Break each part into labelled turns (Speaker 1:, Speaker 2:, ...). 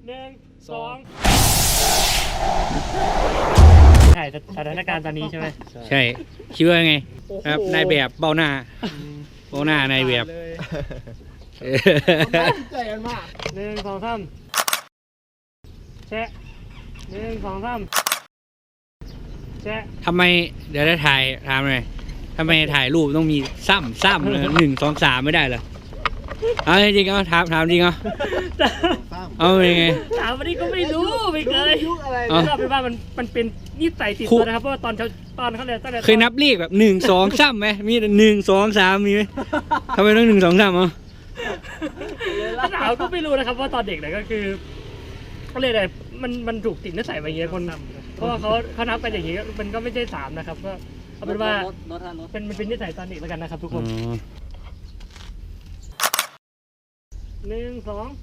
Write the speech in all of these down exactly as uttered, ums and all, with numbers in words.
Speaker 1: หนึ่งสองถ่ายสถานการณ์ตอนนี้ใช่ไหม
Speaker 2: ใช่คิดว่าไงครับนายแบบเบ้าหน้าเบ้าหน้านายแบบ
Speaker 1: ใจกันมากหนึ่งสองสามแชะหนึ่งสองสามแชะ
Speaker 2: ทำไมเดี๋ยวได้ถ่ายถามเลยทำไมถ่ายรูปต้องมีซ้ำซ้ำเลยหนึ่งสองสามไม่ได้เหรอเอาจริงๆเอาถามถามจริงเอาเอาเป็นไง
Speaker 1: ถามวันนี้ก็ไม่รู้ไม่เคยก็เป็นว่ามันมันเป็นนิสัยติดตัวนะครับเพราะว่าตอนตอนเขาเลยตั้งแต่
Speaker 2: เคยนับเลขแบบหนึ่งสองซ้ำไหมมีหนึ่งสองสามมีไหมทำไมต้องหนึ่งสองสามอ่ะ
Speaker 1: ถ้าถามก็ไม่รู้นะครับเพราะตอนเด็กเนี่ยก็คือเขาเรียกอะไรมันมันถูกติดนิสัยไปอย่างเงี้ยคนเพราะว่าเขาเขานับกันอย่างงี้มันก็ไม่ใช่สามนะครับก็เอาเป็นว่าเป็นมันเป็นนิสัยตอนเด็กแล้วกันนะครับทุกคนหนึ่งสอง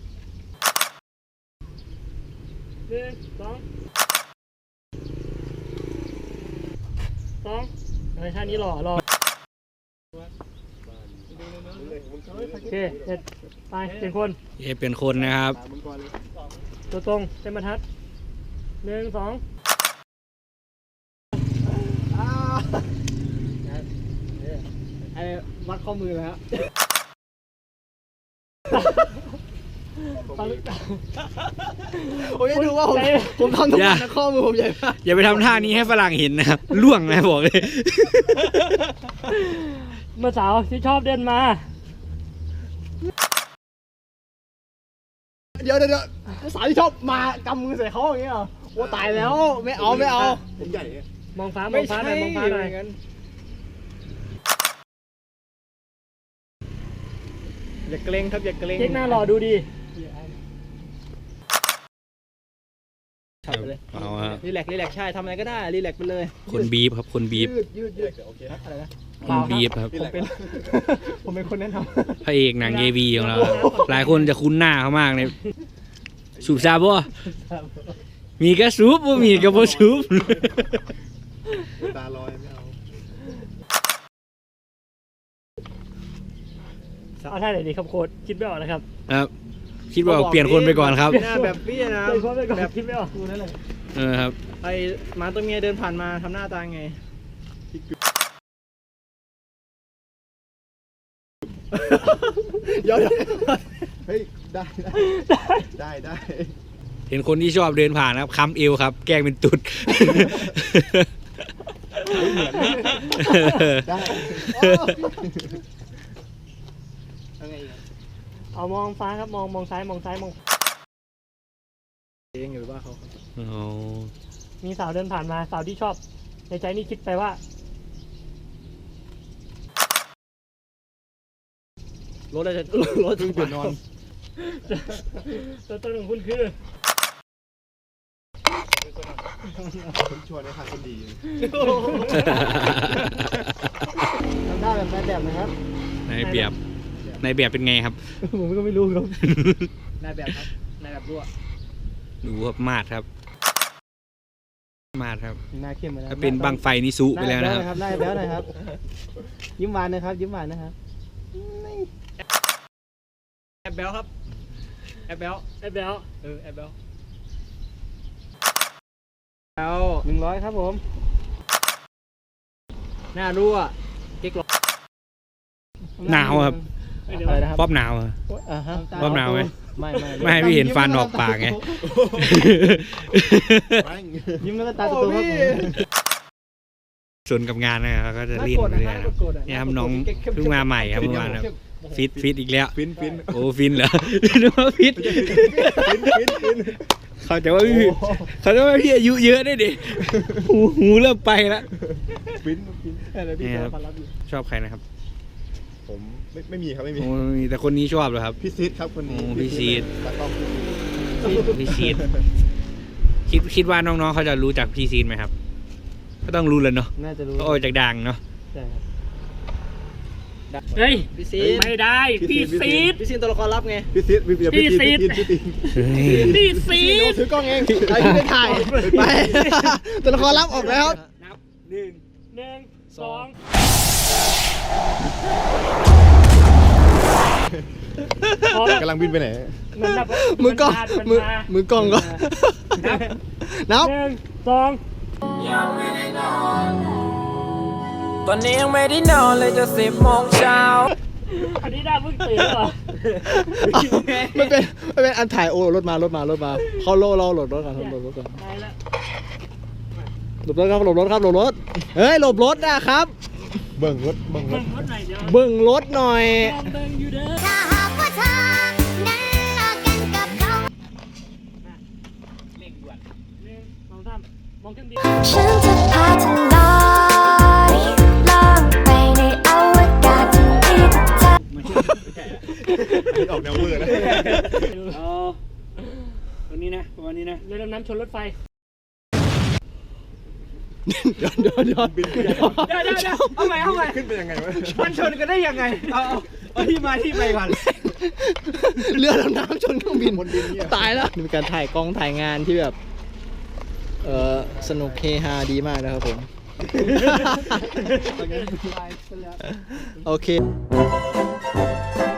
Speaker 1: หนึ่งสองสองในท่านี้หล่อหล่อโอเคเสร็จไปเป็นคน
Speaker 2: เอเป็นคนนะครับ
Speaker 1: ตัวตรงเต็มบรรทัดหนึ่งสองไอ้วัดข้อมือเลยฮะ
Speaker 3: ผมจะดูว่าผมผมทำทุกวันนะข้อมือผมใหญ่มาก
Speaker 2: อย่าไปทำท่านี้ให้ฝรั่งเห็นนะครับล่วงนะบอกเลย
Speaker 1: เมื่อสาวที่ชอบเดินมา
Speaker 3: เดี๋ยวเดี๋ยวสาวที่ชอบมากำมือใส่เขาอย่างเงี้ยเหรอโอ้ตายแล้วไม่เอาไม่เอาผมใหญ่
Speaker 1: มองฟ้ามองฟ้าหน่อยมองฟ้าหน่อย
Speaker 3: อย่าเกรงครับอย่าเกรง
Speaker 1: เช็คหน้ารอดูดี
Speaker 2: เอาฮะ
Speaker 3: รีแลกรีแลกใช่ทำอะไรก็ได้รีแลกไปเลย
Speaker 2: คนบีบครับคนบีบ
Speaker 3: ยืดยืดยืดโอเคอะไรนะ
Speaker 2: คนบีบครับ
Speaker 3: ผมเป็นผมเป็นคนแนะน
Speaker 2: ำพระเอกหนังเอวีของเราหลายคนจะคุ้นหน้าเขามากเลยสูบซาบ่มีกระสูบบ่มีกระบ่สูบ
Speaker 3: ตาลอยไม่เอา
Speaker 1: เอาท่าไหนดีครับโค้ดคิดไม่ออกนะครับ
Speaker 2: ครับคิดว่าเปลี่ยนคนไปก่อนครับ
Speaker 3: หน้าแบบพี่นะ
Speaker 1: แบบคิดไม่ออกดูนั่นเลย
Speaker 2: เออครับ
Speaker 3: ไอ้หมาตัวเมียเดินผ่านมาทำหน้าตาไงเดี๋ยวเฮ้ยได้ได้ได้
Speaker 2: เห็นคนที่ชอบเดินผ่านครับค้ำเอวครับแกล้งเป็นตุด
Speaker 3: ได้
Speaker 1: เอามองฟ้าครับมองมองซ้ายมองซ้ายมอง
Speaker 3: เองหรือว่าเขา
Speaker 1: มีสาวเดินผ่านมาสาวที่ชอบในใจนี่คิดไปว่
Speaker 3: ารถอะไรจะรถตื่นนอน
Speaker 1: ตัวตนของคุณคือ
Speaker 3: คุณชวนในทางคนดีทำได้แบบนายแบบนะครับ
Speaker 2: นายแบบนายแบบเป็นไงครับ
Speaker 3: ผมก็ไม่รู้ครับนายแบบครับนายแบบรั่ว
Speaker 2: ดูครับมาดครับมาดครับ
Speaker 3: หน้าเข้มไปแล้ว
Speaker 2: ถ้าเป็นบังไฟนี่ซุไปแล้วนะครับ
Speaker 3: ได้แล้วนะครับยิ้มหวานนะครับยิ้มหวานนะครับแอบแบลครับแอบแบล
Speaker 1: แอบแบล
Speaker 3: เออแอบแบล
Speaker 1: เอาหนึ่งร้อยครับผม
Speaker 3: หน้ารั่วเก๊กหลอก
Speaker 2: หนาวครับป๊อบหนาวป๊อบหนาวไหม
Speaker 3: ไม่ไม่
Speaker 2: ไม่ให้พี่เห็นฟันออกปากไง
Speaker 3: ยิ้มแล้วก็ตาโตครับ
Speaker 2: ส่วนกับงานนะครับก็จะรีบเลยนะครับนี่ครับน้องเพิ่งมาใหม่ครับเมื่อวานครับฟิตฟิตอีกแล้ว
Speaker 3: ฟินฟิน
Speaker 2: โอ้ฟินเหรอนึกว่าฟิต
Speaker 3: ฟินฟินฟิน
Speaker 2: เขาจะว่าพี่เขาจะว่าพี่อายุเยอะได้ดิหูหูเริ่มไปแล้ว
Speaker 3: ฟินฟินอะไรพี่
Speaker 2: ชอบใครนะครับ
Speaker 3: ผมไม่ไม่มีครับไม่มี
Speaker 2: มีแต่คนนี้ชอบเลยครับ
Speaker 3: พี่ซีดครับคนนี้
Speaker 2: พี่ซีดพี่ซีดคิดคิดว่าน้องๆเขาจะรู้จักพี่ซีดไหมครับก็ต้องรู้เลยเนาะ
Speaker 3: น่าจะรู้
Speaker 2: โอ้จากดังเนาะ
Speaker 1: เฮ้ยพี่ซีดไม่ได้พี่ซีด
Speaker 3: พี่ซีดตัวละครลับไงพี่ซีดพี่ซีด
Speaker 1: พี่ซีด
Speaker 3: ถือกล้องเองไอ้ที่ไม่ถ่ายไปตัวละครลับออกแล้ว
Speaker 1: นับหนึ่งหนึ่งสองพอแล้ว
Speaker 4: กำลังบินไปไหน
Speaker 1: เหมือนแบบ
Speaker 3: มือกล้อง
Speaker 1: มัน
Speaker 3: มือ
Speaker 1: มา
Speaker 3: มือกล้องก็นับ
Speaker 1: หนึ่งสอง
Speaker 5: ตอนนี้ยังไม่ได้นอนเลยจะสิบโมงเช้า
Speaker 1: อันนี้ได้เพิ่งตื่นเหรอ
Speaker 3: ไม่เป็นไม่เป็นอันถ่ายโอ้รถมารถมารถมาเขาโลเราโหลดรถก่อนโหลดรถก่อน
Speaker 1: ได้แล้ว
Speaker 3: หลบรถครับหลบรถครับหลบรถเฮ้ยหลบรถนะครับ
Speaker 4: เบิ่งรถเบิ่งร
Speaker 1: เบิ่
Speaker 4: ถ
Speaker 1: งรถหน่อยเดี๋ยว
Speaker 3: เบิ่งรถหน่อย
Speaker 1: ลองเบิ่งอยู่เด้อ
Speaker 6: ถ้าหากว่าเธอนั้นเลิกกันกับเขา
Speaker 1: หนึ่งสองสามมองเครื่องบิน
Speaker 6: ฉันจะพาเธอลอยล่องไปในอวกาศที่เธอ
Speaker 4: ออกแนวเวอร์นะ
Speaker 2: เอาตัวนี้นะประมาณนี้นะ
Speaker 1: เรือดำน้ำชนรถไฟ
Speaker 3: เดี๋ยวเดี๋ยวเดี๋ยวบิน
Speaker 2: เดี๋ยวเดี๋ยวเดี๋ยวเอาใหม่เอาใหม่
Speaker 4: ขึ้นไปยังไงวะ
Speaker 2: มันชนกันได้ยังไง เอาเอาเอาที่มาที่ไปก่อน
Speaker 3: เรือดำน้ำชนเครื่องบิน
Speaker 4: บนบินเนี่ย
Speaker 3: ตายแล้วนี่เป็นการถ่ายกล้องถ่ายงานที่แบบเออสนุกเฮฮาดีมากนะครับผม โอเค